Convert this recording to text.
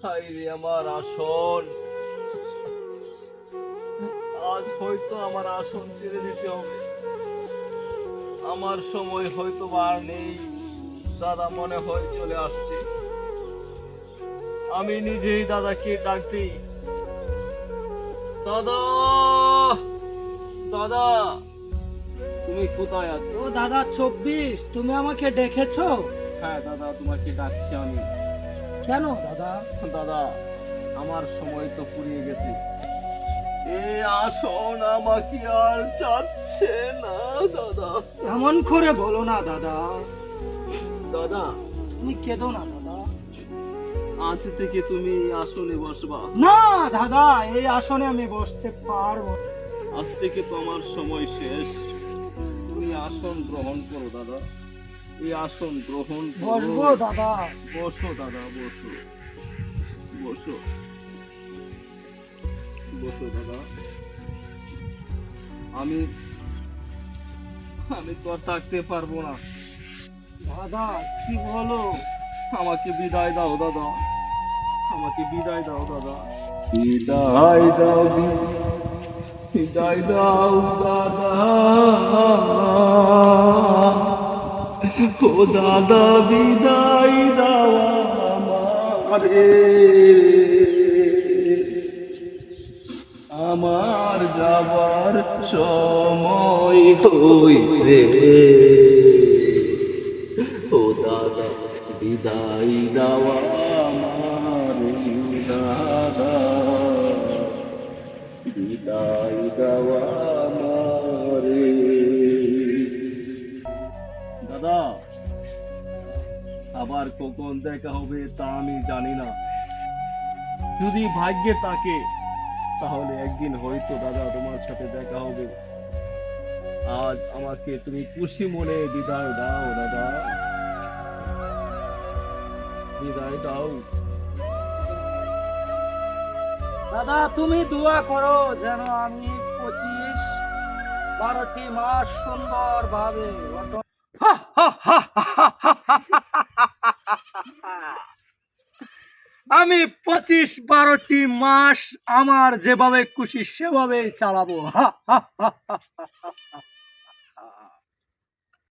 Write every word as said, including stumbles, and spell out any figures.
হায় রে আমার আসন, আজ হয়তো আমার আসন ছেড়ে দিতে হবে। আমার সময় হয়তো আর নেই, দাদা মনে হয় চলে আসছে। আমি নিজেই দাদাকে ডাক দিই, দাদা, দাদা, তুমি কোথায় আছো? ও দাদা চব্বিশ, তুমি আমাকে ডেকেছো? হ্যাঁ দাদা, তোমাকে ডাকছি আমি। কেন দাদা? দাদা, আমার সময় তো ফুরিয়ে গেছে। এই আসন আমাকে আর চাচ্ছে না দাদা। এমন করে বলো না দাদা, দাদা, তুমি কেঁদো না দাদা। আজ থেকে তুমি এই আসনে বসবা। না দাদা, এই আসনে আমি বসতে পারবো না। আজ থেকে তো আমার সময় শেষ। তুমি আসন গ্রহণ করো দাদা, এই আসন গ্রহণ করো। বসবো দাদা। বসো দাদা, বসো বসো বসো দাদা। আমি আমি তো আর থাকতে পারবো না। দাদা কি বলো? আমাকে বিদায় দাও দাদা, আমাকে বিদায় দাও দাদা। বিদায় দাও, বিদায় দাও দাদা। ও দাদা, বিদায় দাও আমারে, আমার যাবার সময় হইছে। ও দাদা, বিদায় দেওয়া আমার, দাদা, বিদায় দেওয়া আমার। দাদা, আবার কখন দেখা হবে তা আমি জানি না। যদি ভাগ্যে থাকে তাহলে একদিন হয়তো দাদা তোমার সাথে দেখা হবে। আজ আমাকে তুমি খুশি মনে বিদায় দাও দাদা, বিদায় দাও। দাদা তুমি দোয়া করো যেন আমি পঁচিশ বারোটি মাস সুন্দর ভাবে আমি পঁচিশ বারোটি মাস আমার যেভাবে খুশি সেভাবে চালাবো।